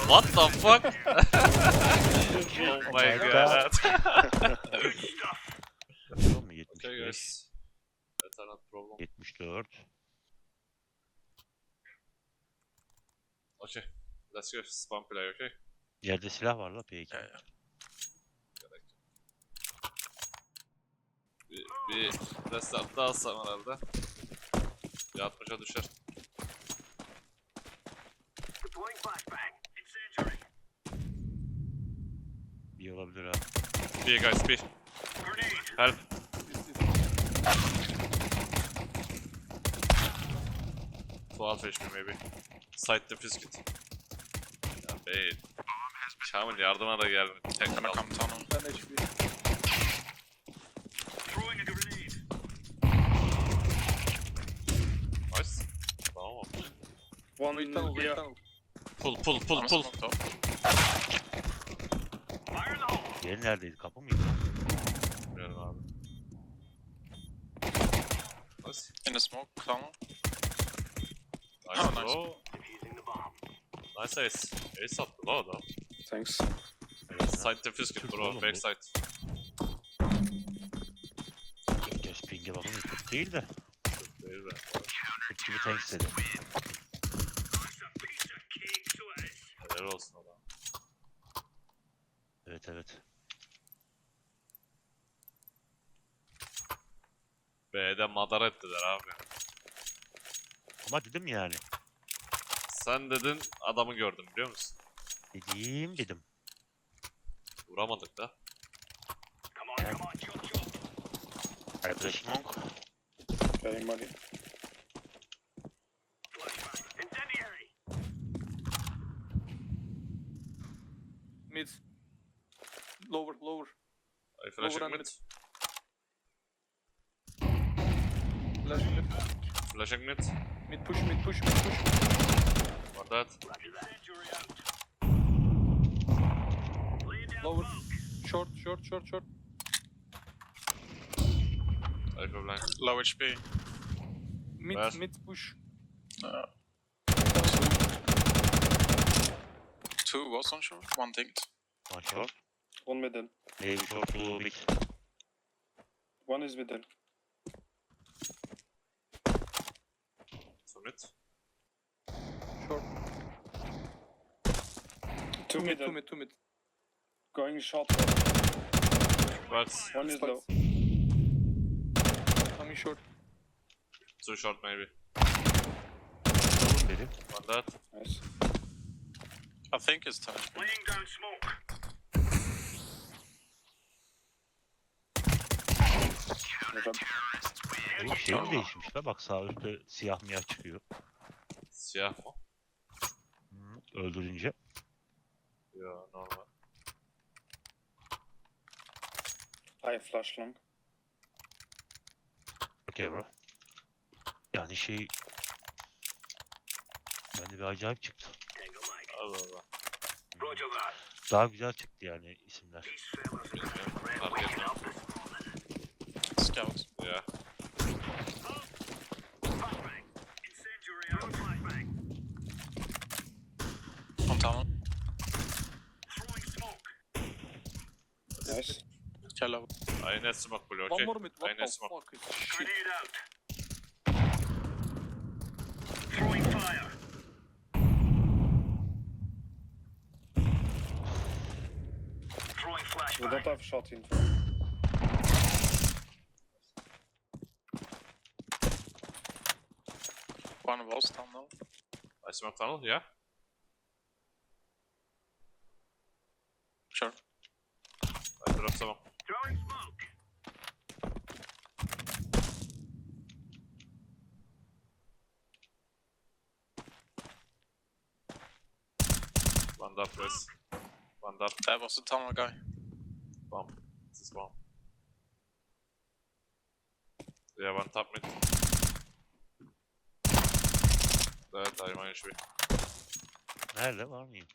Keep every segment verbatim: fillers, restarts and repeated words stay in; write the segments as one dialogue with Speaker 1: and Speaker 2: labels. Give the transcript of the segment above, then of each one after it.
Speaker 1: What the fuck? Oh my god.
Speaker 2: Yapıyor mu? yetmiş
Speaker 1: Okay
Speaker 2: beş,
Speaker 1: guys. Better not problem.
Speaker 2: yetmiş dört.
Speaker 1: Okay. Let's go spam play, okay?
Speaker 2: Yerde silah var la P iki.
Speaker 1: Yeah, yeah. Bir, bir restart daha alsam herhalde. Bir altmışa düşer.
Speaker 2: Bir olabilir ha.
Speaker 1: Bir guys, bir. Help. twelve H P maybe. Side defuse kit. Ya bey. Kamil yardıma da gelmedi. Tek
Speaker 3: Gonna
Speaker 1: kaldı.
Speaker 3: come tunnel.
Speaker 4: ten H P.
Speaker 1: Nice. Tamam.
Speaker 4: One in tunnel, yeah. tunnel.
Speaker 1: Pull pull pull
Speaker 3: One
Speaker 1: pull.
Speaker 3: smoked up.
Speaker 2: Diğeri neredeydi? Kapı mıydı?
Speaker 1: Bilmiyorum abi. Nice.
Speaker 3: In the smoke tunnel.
Speaker 1: Nice
Speaker 3: Oh, nice.
Speaker 1: bro. Nice ace. Ace attı la o da.
Speaker 4: Thanks.
Speaker 1: Side defuse kit bro.
Speaker 2: Oğlum bu-
Speaker 1: Backside.
Speaker 2: Göz pinge bakın kötü değil de.
Speaker 1: Değil be.
Speaker 2: Kötü gibi tank istedi.
Speaker 1: Helal olsun adam.
Speaker 2: Evet evet.
Speaker 1: B'de madara ettiler abi.
Speaker 2: Ama dedim yani.
Speaker 1: Sen dedin adamı gördüm biliyor musun?
Speaker 2: Dediğim dedim.
Speaker 1: Vuramadık da.
Speaker 2: Arkadaş
Speaker 3: Smoke.
Speaker 4: Getting money. Mid. Lower, lower.
Speaker 1: Ay flashing
Speaker 4: Overrun
Speaker 1: mid.
Speaker 4: Flash mid.
Speaker 1: Flashing mid.
Speaker 4: Mid push, mid push, mid push.
Speaker 1: One dead.
Speaker 4: Lower. Short, short, short, short.
Speaker 1: Ay for blind.
Speaker 3: Low H P.
Speaker 4: Mid,
Speaker 1: Where?
Speaker 4: mid push.
Speaker 3: Uh, two was on shore. One dinked.
Speaker 2: One shot.
Speaker 4: One middle.
Speaker 2: Maybe short two big.
Speaker 4: One is middle.
Speaker 1: So mid.
Speaker 4: Short.
Speaker 5: Two
Speaker 4: Two mid,
Speaker 5: middle.
Speaker 4: two mid, two mid.
Speaker 5: Going short.
Speaker 1: Birds.
Speaker 5: One is low.
Speaker 4: Coming short.
Speaker 1: Two short maybe.
Speaker 2: Vurun dedim.
Speaker 1: One dead.
Speaker 5: Nice.
Speaker 3: I think it's ten H P.
Speaker 5: Good job.
Speaker 2: Oğlum şey mi değişmiş la? Bak sağ üstte siyah miyah çıkıyor.
Speaker 1: Siyah mı?
Speaker 2: Hı, öldürünce.
Speaker 1: Yo normal.
Speaker 5: I flash long.
Speaker 2: Okey bro. Yani şey... Bende bir acayip çıktı.
Speaker 1: Allah Allah.
Speaker 2: Daha güzel çıktı yani isimler.
Speaker 1: Bilmiyorum. Fark etmem.
Speaker 3: Scout.
Speaker 1: Ya.
Speaker 3: On tunnel.
Speaker 5: Nice.
Speaker 3: Yellow.
Speaker 1: I net smoke blue,
Speaker 4: One
Speaker 1: okay?
Speaker 4: more mid. What
Speaker 1: I
Speaker 4: the
Speaker 1: net smoke.
Speaker 4: fuck is shit?
Speaker 5: We don't have shot in.
Speaker 3: One was tunnel.
Speaker 1: I smoke tunnel, yeah?
Speaker 3: Sure.
Speaker 1: I drop smoke. One up, guys. One up.
Speaker 3: That was the tunnel guy.
Speaker 1: Bomb. This is bomb. Yeah, one top mid. Evet, I'm on H P.
Speaker 2: Nerede var mıyım?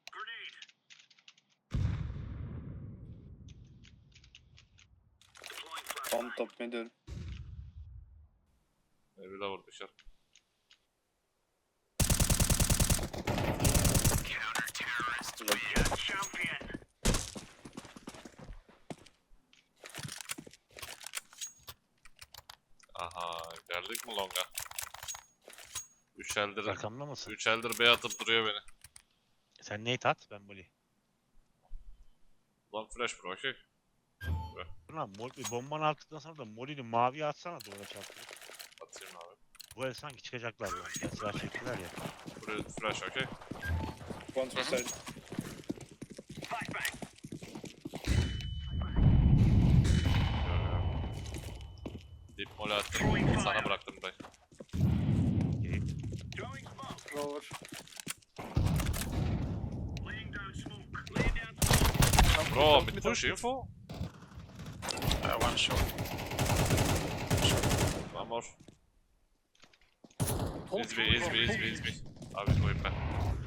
Speaker 5: On top middle.
Speaker 1: Maybe lower dışarı. Aha geldik mi longa? Üç eldir,
Speaker 2: Arkamda mısın?
Speaker 1: üç eldir B atıp duruyor beni.
Speaker 2: Sen nate at, ben Molly.
Speaker 1: Long flash bro okey.
Speaker 2: Dur lan, Molly, bombanı attıktan sonra da Molly'ni maviye atsana duvara çarptırıp.
Speaker 1: Atayım abi.
Speaker 2: Bu el sanki çıkacaklar lan. Yaslar çektiler ya.
Speaker 1: Buraya flash okey.
Speaker 5: One to side.
Speaker 1: Deep mole attım. Sana bıraktım dayı.
Speaker 2: Okey.
Speaker 4: Lower.
Speaker 1: Bro mid push info.
Speaker 3: Uh, one short.
Speaker 1: One more. Easy B, easy B, easy B, easy B. Abi koyayım ben.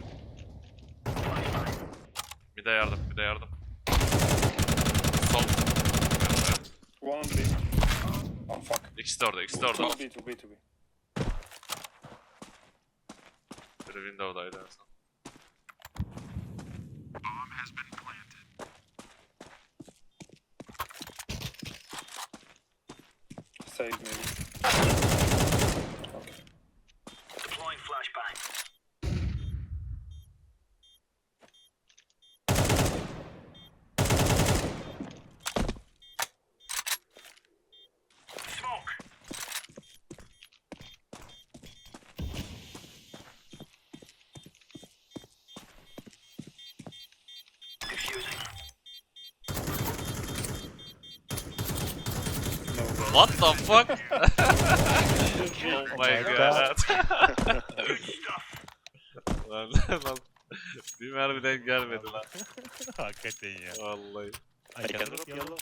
Speaker 1: Bir de yardım, bir de yardım. Sol. Evet.
Speaker 5: One B. Oh fuck.
Speaker 1: İkisi de orada, ikisi de orada.
Speaker 5: Two B, two B, two B.
Speaker 1: Biri window'daydı en son.
Speaker 5: Side maybe. Okay. No way.
Speaker 1: What the fuck? Oh my god. Lan lan. Bir mermi denk gelmedi lan.
Speaker 2: Hakikaten ya.
Speaker 1: Vallahi.
Speaker 2: I can drop yellow.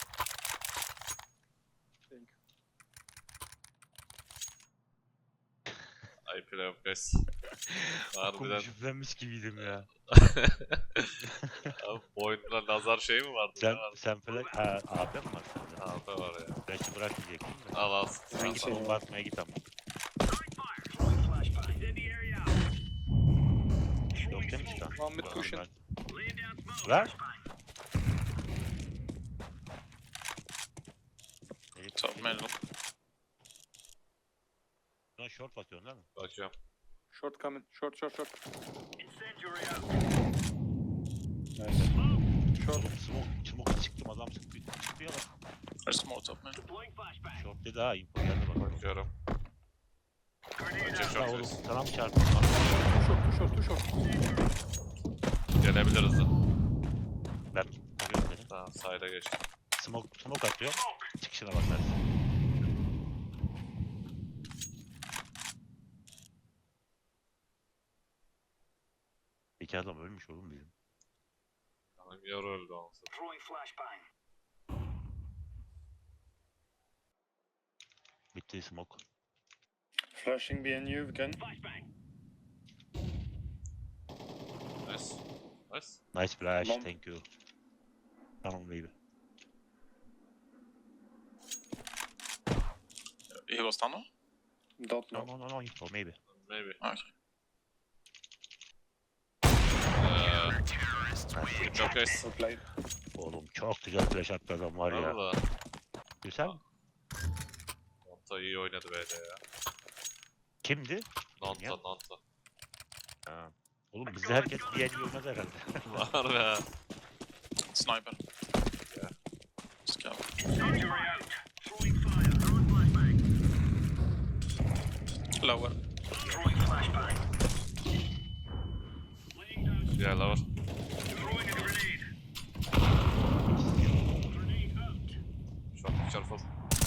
Speaker 1: I play of guys. Harbiden.
Speaker 2: Okumuş üflenmiş gibiydim ya.
Speaker 1: Abi bu oyunda nazar şey mi vardı?
Speaker 2: Sen,
Speaker 1: Ne vardı?
Speaker 2: sen falan... Ha, A P mi var sende?
Speaker 1: A P var ya.
Speaker 2: Belki bırakmayacaktım da.
Speaker 1: Al al.
Speaker 5: Thank
Speaker 2: Sen
Speaker 5: you.
Speaker 2: bomba atmaya git ama. Yok değil mi çıkan?
Speaker 4: One mid pushing.
Speaker 2: Ver.
Speaker 3: Top middle.
Speaker 2: Lan short bakıyorsun değil mi?
Speaker 1: Bakıyorum.
Speaker 4: Short coming. Short, short, short.
Speaker 5: Nice.
Speaker 4: Short.
Speaker 2: Oğlum smoke, smoke çıktım adam sıktı. Çıktı ya bak.
Speaker 3: There's more top middle.
Speaker 2: Short dedi ha, info geldi bak.
Speaker 1: Bakıyorum. Açık
Speaker 2: Ya
Speaker 1: çok
Speaker 2: oğlum
Speaker 1: ses.
Speaker 2: sana mı çarptın?
Speaker 4: Too short, too short, too short.
Speaker 1: Gelebilir hızlı.
Speaker 2: Ben görüyorum dedim.
Speaker 1: Tamam side'a geç.
Speaker 2: Smoke, smoke atıyor. Çıkışına bakarsın. İki adam ölmüş oğlum bizim.
Speaker 1: Tamam yarı öldü olsun.
Speaker 2: Bitti smoke.
Speaker 5: Flashing behind you again.
Speaker 1: Nice. Nice.
Speaker 2: Nice flash,
Speaker 5: Bomb.
Speaker 2: thank you. Tamam baby.
Speaker 3: He was tunnel?
Speaker 5: Don't
Speaker 2: No
Speaker 5: know.
Speaker 2: no no no info maybe.
Speaker 1: Maybe.
Speaker 3: Okay.
Speaker 1: Eee... Çok guys.
Speaker 5: Well played.
Speaker 2: Oğlum çok güzel flash attı adam var ya.
Speaker 1: Valla.
Speaker 2: Güzel.
Speaker 1: Nonta iyi oynadı böyle ya.
Speaker 2: Kimdi?
Speaker 1: Nonta
Speaker 2: Ya.
Speaker 1: Nonta.
Speaker 2: Ha. Oğlum bizde herkes bir el oynaz herhalde.
Speaker 1: Var ya.
Speaker 3: Sniper.
Speaker 1: Yeah.
Speaker 3: Scout. Lower.
Speaker 1: Diğerler var. Çok careful.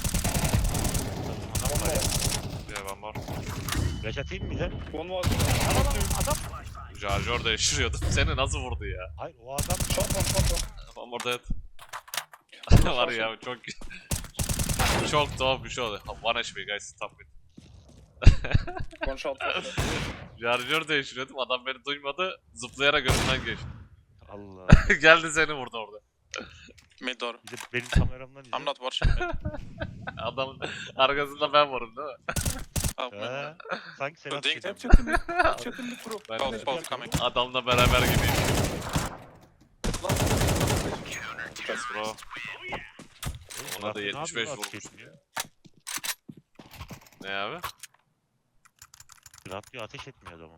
Speaker 2: Adam var ya.
Speaker 1: Diğer one more.
Speaker 2: Flash atayım mı bir de?
Speaker 5: One was.
Speaker 2: Adam.
Speaker 1: Charger değiştiriyordu. Seni nasıl vurdu ya?
Speaker 2: Hayır o adam.
Speaker 5: Shot one, shot one.
Speaker 1: One more dead. Var ya çok... çok tuhaf bir şey oldu. One H P guys. Stop it.
Speaker 5: One shot. One shot.
Speaker 1: Charger değiştiriyordum. Adam beni duymadı. Zıplayarak önümden geçti.
Speaker 2: Allah.
Speaker 1: Geldi seni vurdu orada.
Speaker 3: Mid door.
Speaker 2: Bir de benim kameramdan izle.
Speaker 3: I'm not watching mid.
Speaker 1: Adamın arkasında ben varım değil mi?
Speaker 3: Help me.
Speaker 2: He. Sanki Serhat
Speaker 3: Ding.
Speaker 2: gibi.
Speaker 4: Check in mid. Check in mid bro.
Speaker 1: Ben
Speaker 3: Both,
Speaker 1: de
Speaker 3: both coming.
Speaker 1: adamla beraber gibiyim.
Speaker 4: Last
Speaker 1: Yes bro.
Speaker 2: Oğlum,
Speaker 1: Ona da
Speaker 2: ne
Speaker 1: yetmiş beş
Speaker 2: yapıyor lan
Speaker 1: vurmuş.
Speaker 2: ateş etmiyor?
Speaker 1: Ne abi?
Speaker 2: Radyo ateş etmiyor adamı.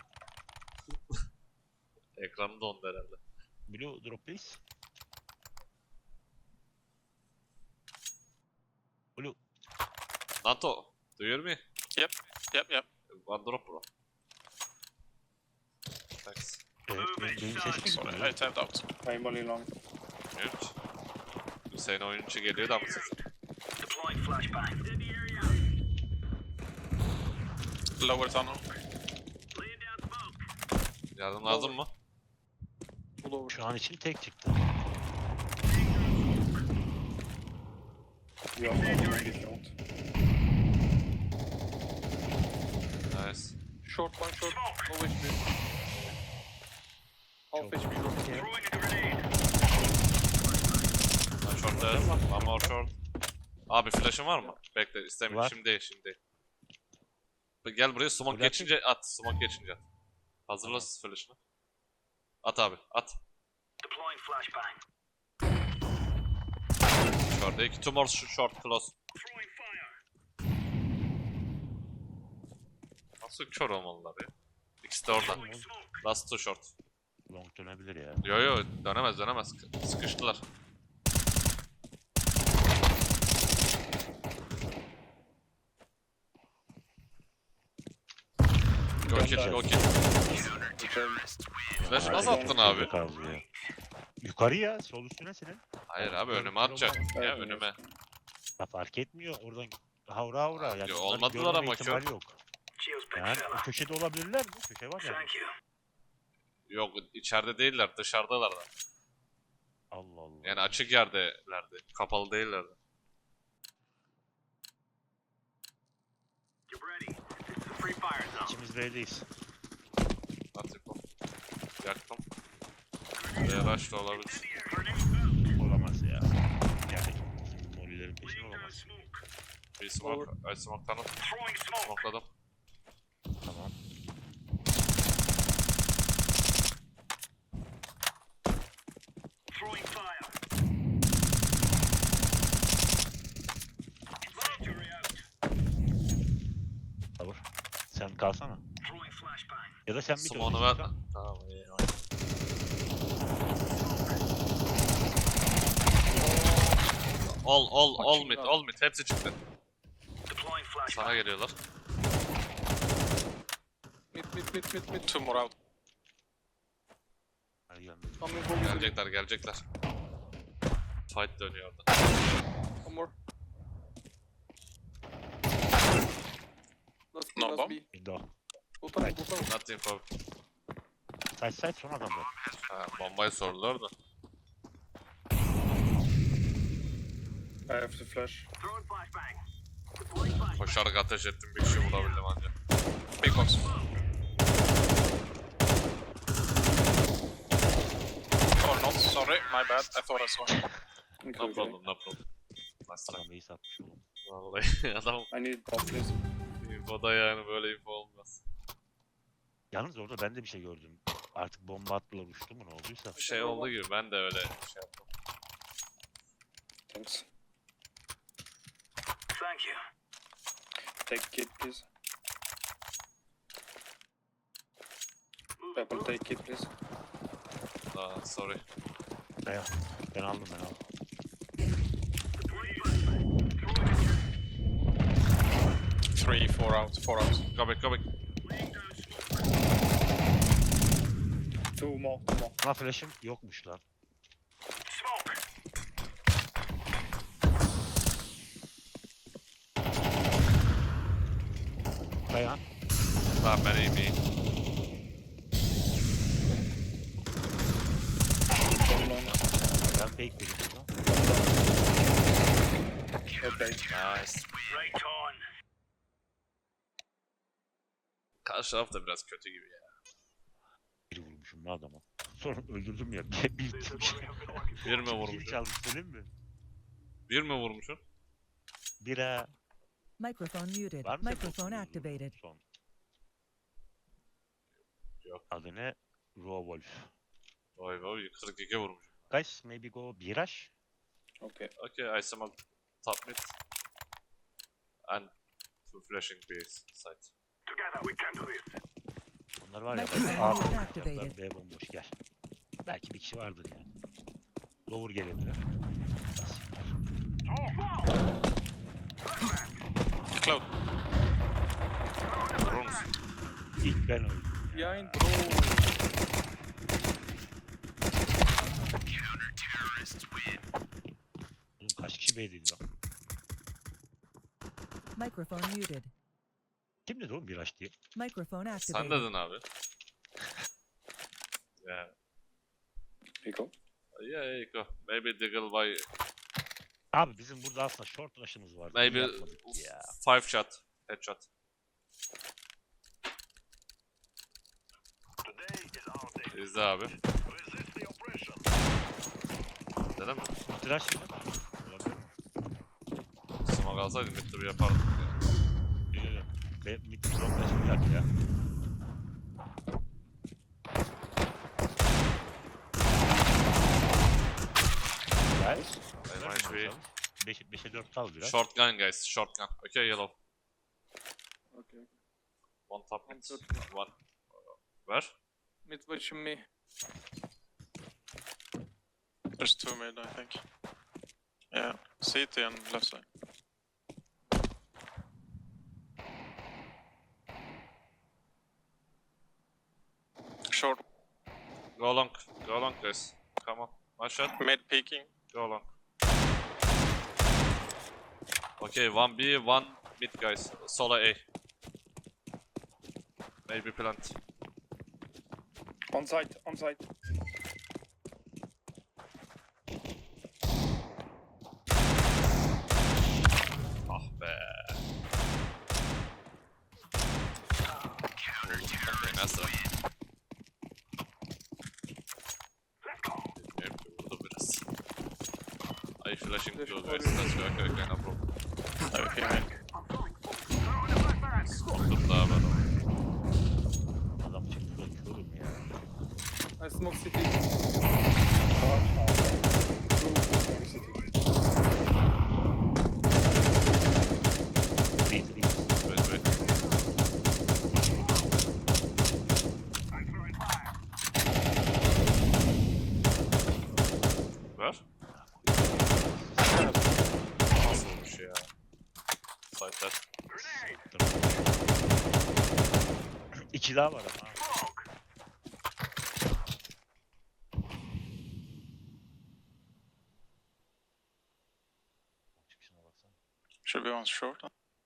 Speaker 1: Ekranı dondu herhalde.
Speaker 2: Blue drop please. Blue.
Speaker 1: NATO, do you hear me?
Speaker 3: Yep, yep.
Speaker 1: One drop bro. Thanks.
Speaker 2: Evet, benim, benim sesim
Speaker 3: Sorry,
Speaker 2: gitmiyor.
Speaker 3: I tapped out.
Speaker 5: I'm molly long.
Speaker 1: Bilmiyorum ki. Hüseyin oyuncu geliyor da mı sesin?
Speaker 3: Lower tunnel.
Speaker 1: Yardım lazım mı?
Speaker 4: Pull over.
Speaker 2: Şu an için tek çıktı.
Speaker 5: You have not long if you want.
Speaker 1: Nice.
Speaker 4: Short one short. No H P. Half H P short.
Speaker 1: Ben short dead. One more short. Abi flash'ın var mı? Bekle istemiyorum.
Speaker 2: Var.
Speaker 1: Şimdi değil şimdi değil. Gel buraya smoke
Speaker 2: Bırakayım.
Speaker 1: geçince at. Smoke geçince at. Hazırla flash'ını. At abi at. Short iki. Two more sh- short close. Nasıl kör olmalılar ya? İkisi de orada. Last two short.
Speaker 2: Long dönebilir ya.
Speaker 1: Yo yo dönemez dönemez. Sıkıştılar. Go kill go kill. Flash nasıl attın abi?
Speaker 2: Kaldı ya. Yukarı ya, sol üstüne senin.
Speaker 1: Hayır abi önüme atacak. Ya önüme.
Speaker 2: Ya fark etmiyor oradan havra havra. Yani
Speaker 1: Yo,
Speaker 2: bunları
Speaker 1: olmadılar
Speaker 2: görmeme
Speaker 1: ama
Speaker 2: ihtimali
Speaker 1: kör.
Speaker 2: yok. Yani o köşede olabilirler mi? Köşe var yani.
Speaker 1: Yok içeride değiller dışarıdalar da.
Speaker 2: Allah Allah.
Speaker 1: Yani açık yerdelerdi. Kapalı değillerdi.
Speaker 2: İkimiz B'deyiz.
Speaker 1: At yapalım. Yaktım. Buraya rush da olabilir.
Speaker 2: Olamaz ya. Yani bizim molilerin peşinde olamaz.
Speaker 1: Bir smoke. Ay smoke tanıt. Smokeladım.
Speaker 2: Tamam. Tavır. Sen kalsana. Ya da sen bir dön
Speaker 1: Smoke'unu ver.
Speaker 2: istiyorsan.
Speaker 1: Tamam iyi. All all all mid all mid hepsi çıktı. Sana geliyorlar.
Speaker 4: Mid mid mid mid mid.
Speaker 3: Two more out.
Speaker 2: Hadi gel. Mehmet.
Speaker 4: Coming from mid.
Speaker 1: Gelecekler gelecekler. Fight dönüyor orada.
Speaker 4: One more. Last B,
Speaker 3: No
Speaker 4: last
Speaker 3: bomb?
Speaker 4: B.
Speaker 2: Window.
Speaker 4: Go tunnel, go tunnel.
Speaker 1: Not info.
Speaker 2: Side side son adamlar.
Speaker 1: Ha, bombayı sordular da.
Speaker 5: I have to flash.
Speaker 1: Koşarak ateş ettim bir kişi bulabildim ancak.
Speaker 3: Big box. Oh not, sorry, my bad. I thought I saw him.
Speaker 1: No
Speaker 5: Including.
Speaker 1: problem no problem. Nice try.
Speaker 2: Adam iyi satmış oğlum.
Speaker 1: Vallahi adam
Speaker 5: I need bot please.
Speaker 1: infoda yani böyle info olmaz.
Speaker 2: Yalnız orada ben de bir şey gördüm. Artık bomba attılar uçtu mu ne olduysa.
Speaker 1: Bir şey oldu gibi ben de öyle şey yaptım.
Speaker 5: Thanks. Take kit please. Purple take kit please.
Speaker 1: Aa, sorry.
Speaker 2: Ben, ben aldım ben aldım.
Speaker 3: Three, four out, four out.
Speaker 1: Go back go back.
Speaker 5: Two more, two more.
Speaker 2: Buna flash'ım yokmuş lan. Dayan.
Speaker 1: Tamam ben iyiyim iyiyim.
Speaker 5: One long.
Speaker 2: Ben fake vereyim burada.
Speaker 5: Okay.
Speaker 1: Nice. Karşı taraf da biraz kötü gibi ya.
Speaker 2: Biri vurmuşum lan adama. Sonra öldürdüm ya. Bir
Speaker 1: Bir mi
Speaker 2: Kim
Speaker 1: vurmuşsun?
Speaker 2: çaldı söyleyeyim mi?
Speaker 1: Bir mi vurmuşsun?
Speaker 2: Bira.
Speaker 6: Microphone muted.
Speaker 2: Var mı senin
Speaker 6: Microphone
Speaker 2: dokuz
Speaker 6: activated.
Speaker 2: Son.
Speaker 1: Yok.
Speaker 2: Adı ne? Rawolf.
Speaker 1: Vay vay kırk iki vurmuş.
Speaker 2: Guys, maybe go Biraş.
Speaker 5: Okay.
Speaker 1: Okay I smoke top mid. And Two flashing B site.
Speaker 2: Bunlar var ya.
Speaker 6: Microphone
Speaker 2: A
Speaker 6: muted
Speaker 2: bomboş.
Speaker 6: activated.
Speaker 2: B bomboş gel. Belki bir kişi vardır yani. Lower gelebilir.
Speaker 3: Cloud.
Speaker 1: Vurur musun?
Speaker 2: İlk ben öldüm.
Speaker 4: Behind, bro.
Speaker 2: Oğlum kaç kişi B'deydi lan?
Speaker 6: Microphone muted.
Speaker 2: Kim dedi oğlum bir aç diye?
Speaker 6: Microphone
Speaker 1: Sen
Speaker 6: activated.
Speaker 1: dedin abi. Yeah.
Speaker 5: Pickle.
Speaker 1: Yeah, yeah, go. Maybe Diggle by
Speaker 2: Abi bizim burada aslında short rush'ımız vardı.
Speaker 1: maybe
Speaker 2: Niye yapmadık ya?
Speaker 1: five shot. Headshot. İzle abi. Dedim mi?
Speaker 2: Tıraş mı? Olabilir.
Speaker 1: Smoke alsaydım mid turu yapardık ya.
Speaker 2: Yok, yok. Be mid long rush bir dakika ya. Gel.
Speaker 1: Very much we...
Speaker 2: beşe dört kal biraz.
Speaker 1: Short gun guys, short gun. Okay, yellow.
Speaker 4: Okay.
Speaker 1: One top mid.
Speaker 4: One short.
Speaker 1: One. Where?
Speaker 4: Mid watching me.
Speaker 3: There's two mid, I think. Yeah, C T and left side. Short,
Speaker 1: Go long. Go long guys. Come on. One shot.
Speaker 3: mid peeking.
Speaker 1: Go long. Okay, one B, one mid guys. Solo A. Maybe plant.
Speaker 5: On site, on site.
Speaker 1: Ah be. Okay, nasıl? Bilmiyorum ki, vurdu biraz. Ay flashing
Speaker 4: Flash
Speaker 1: to
Speaker 4: for
Speaker 1: guys.
Speaker 4: you.
Speaker 1: Let's go. Okay, okay, no problem.
Speaker 3: Okay, mid.
Speaker 1: Smoke daha var.
Speaker 2: Adam çıktı da körüm ya.
Speaker 4: I smoke city.
Speaker 5: Two, two, city.
Speaker 2: Değil değil.
Speaker 1: Wait, wait. Ver. Nasıl olmuş ya? Site'ler.
Speaker 2: İki daha var ama. ha. Çıkışına baksana.
Speaker 3: Should be one short.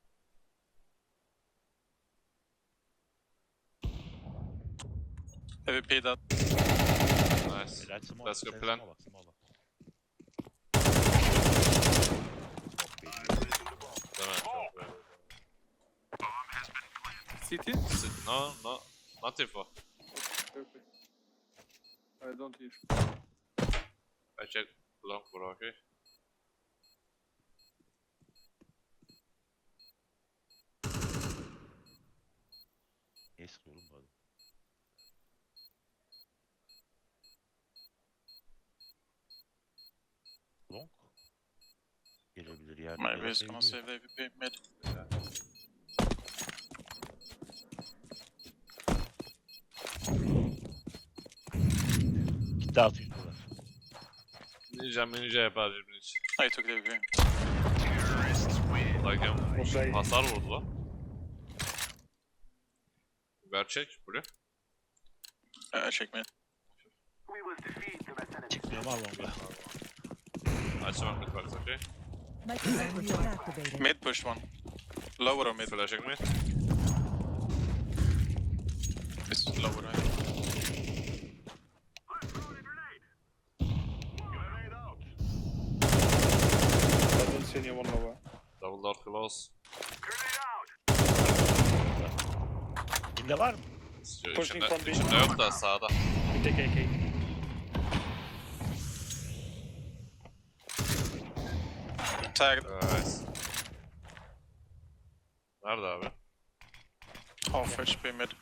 Speaker 3: A V P that.
Speaker 1: Nice.
Speaker 2: Helal smoke.
Speaker 1: Let's go
Speaker 2: sen
Speaker 1: plan.
Speaker 2: smoke'a bak, smoke'a bak.
Speaker 1: Değil mi? Çok böyle.
Speaker 4: City?
Speaker 1: Sit- No, no. Not info.
Speaker 4: Okay, okay. I don't hear.
Speaker 1: I check long bro, okay?
Speaker 2: Niye sıkıyorum bu adam? Long? Gelebilir yani.
Speaker 3: Maybe he's gonna save the A V P mid.
Speaker 2: Gitti altı yüz dolar.
Speaker 1: Ninja ninja yapar cebin için.
Speaker 3: I took the A V P.
Speaker 1: Like
Speaker 5: Okay.
Speaker 1: hasar vurdu lan. Gerçek, buraya.
Speaker 3: Uh, check mid.
Speaker 2: Çıkmıyorum al longa.
Speaker 1: Açamam mid box, okay?
Speaker 6: Microphone muted activated.
Speaker 3: Mid push one. Lower or mid?
Speaker 1: Flashing mid.
Speaker 3: It's lower, I think.
Speaker 5: I don't see anyone lower.
Speaker 1: Double door close.
Speaker 2: Kimde var mı?
Speaker 1: İçinde,
Speaker 5: Pushing from B.
Speaker 1: içinde yok da sağda.
Speaker 5: We take A K.
Speaker 3: Tagged.
Speaker 1: Evet. Nerede abi?
Speaker 3: Half H P mid.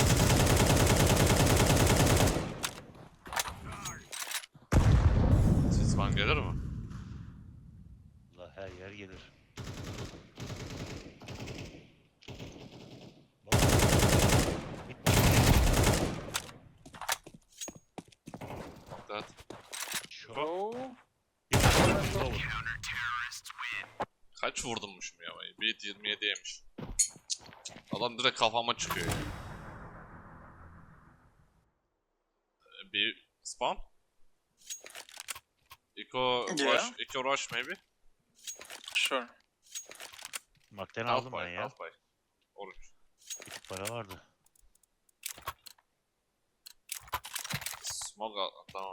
Speaker 1: Sisman gelir mi?
Speaker 2: Allah her yer gelir.
Speaker 1: Kaç vurdummuşum ya? Beat yirmi yedi yemiş. Adam direkt kafama çıkıyor ya. Ee, Bir spawn? Eco
Speaker 3: Yeah.
Speaker 1: rush, Eco rush maybe?
Speaker 3: Sure.
Speaker 2: Makten
Speaker 1: Half
Speaker 2: aldım ben
Speaker 1: buy,
Speaker 2: ya.
Speaker 1: half buy. Orange.
Speaker 2: Bir tık para vardı.
Speaker 1: Smoke al, tamam.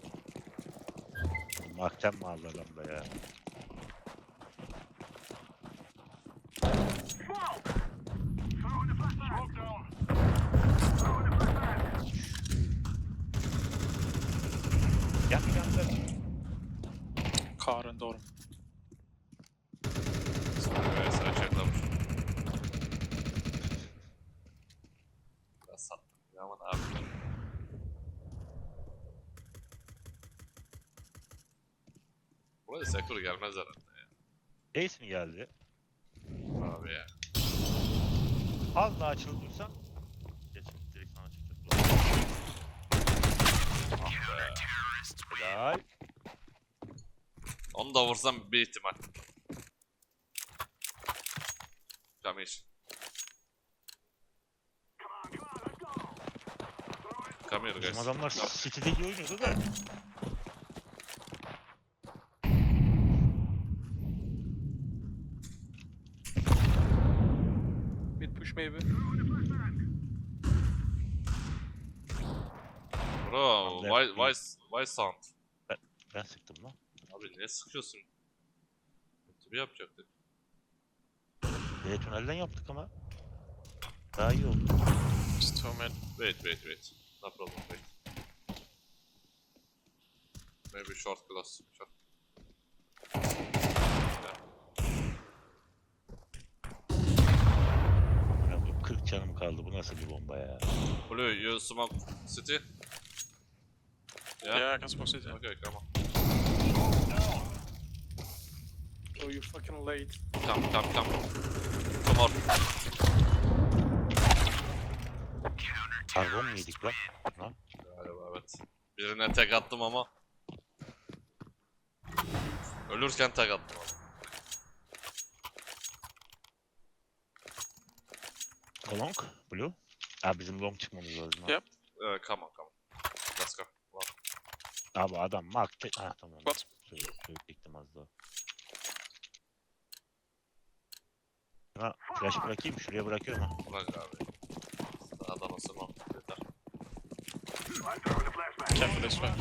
Speaker 2: Makten mi aldı adam da ya? Yan yanda.
Speaker 3: Car and door.
Speaker 1: Smoke vs açıklamış. Biraz sattım ya ama ne yapayım. Buraya Sekur gelmez herhalde ya.
Speaker 2: Ace mi geldi?
Speaker 1: Abi ya.
Speaker 2: Az daha açılıp dursan. Geç direkt sana çıkacak.
Speaker 1: Ah be.
Speaker 2: Helal.
Speaker 1: Onu da vursam bir ihtimal. Jamil. Come here
Speaker 2: Bizim
Speaker 1: guys.
Speaker 2: adamlar City'de iyi oynuyordu da.
Speaker 4: Mid push maybe.
Speaker 1: Bro,
Speaker 2: Left
Speaker 1: why,
Speaker 2: mid.
Speaker 1: why, why sound?
Speaker 2: Ben sıktım lan.
Speaker 1: Abi niye sıkıyorsun? Tabii yapacaktık.
Speaker 2: B tünelden yaptık ama. Daha iyi oldu.
Speaker 3: It's two mid.
Speaker 1: Wait, wait, wait. No problem, wait. Maybe short glass. Short.
Speaker 2: Ya bu kırk canım kaldı. Bu nasıl bir bomba ya?
Speaker 1: Blue, you smoke city? Yeah?
Speaker 3: Yeah, I can smoke city.
Speaker 1: Okay, come on.
Speaker 4: Oh, you're fucking late.
Speaker 1: Come, come, come. Come on.
Speaker 2: Karbon mu yedik lan? Ha?
Speaker 1: Galiba evet. Birine tek attım ama. Ölürken tek attım ama.
Speaker 2: Long, blue. Abi bizim long çıkmamız lazım. ha.
Speaker 3: Yep.
Speaker 1: Uh, come on, come on. Let's go. Wow.
Speaker 2: Abi adam markte... Ha tamam.
Speaker 3: What?
Speaker 2: Şöyle, şöyle diktim az daha. Ha, flash bırakayım. Şuraya bırakıyorum ha.
Speaker 1: Bırak abi. Daha da nasıl mı? Yeter.
Speaker 3: Careful this way.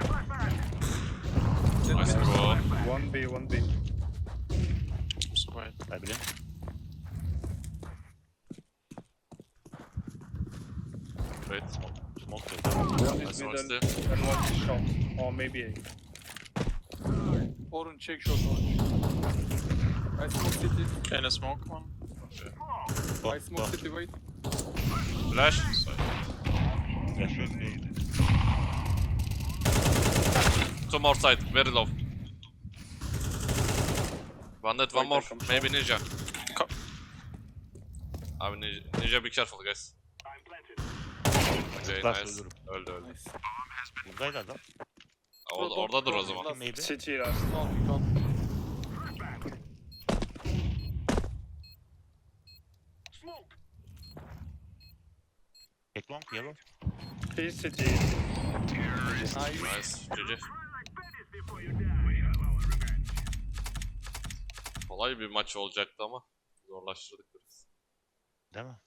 Speaker 1: Nice bro.
Speaker 5: One B, one B.
Speaker 3: So wait.
Speaker 2: Ha bilin.
Speaker 1: Wait.
Speaker 2: Smoke yok.
Speaker 5: One
Speaker 1: I
Speaker 5: is
Speaker 1: smoke
Speaker 5: middle
Speaker 1: still.
Speaker 5: and one is short. Or maybe A.
Speaker 4: Orange, check short orange. I smoke city.
Speaker 3: In a smoke one.
Speaker 2: Oh,
Speaker 4: I smoke
Speaker 2: oh.
Speaker 4: city, wait.
Speaker 1: Flash.
Speaker 3: Side.
Speaker 2: Flash yok değil.
Speaker 1: Two more side. Very low. One dead, one
Speaker 5: Wait,
Speaker 1: more.
Speaker 5: I come
Speaker 1: Maybe ninja.
Speaker 3: Co-
Speaker 1: Abi ninja, ninja be careful guys. Okay,
Speaker 2: Zıplarsa
Speaker 1: nice.
Speaker 2: ölürüm.
Speaker 1: Öldü öldü.
Speaker 4: Nice.
Speaker 2: Buradaydı adam.
Speaker 1: Aa, o- oradadır o zaman.
Speaker 4: Last.
Speaker 2: Maybe.
Speaker 5: City last.
Speaker 4: Don't, don't.
Speaker 2: Tek long yellow.
Speaker 5: He's city.
Speaker 4: Nice.
Speaker 1: Nice. G G. Kolay bir maç olacaktı ama zorlaştırdık biraz.
Speaker 2: Değil mi?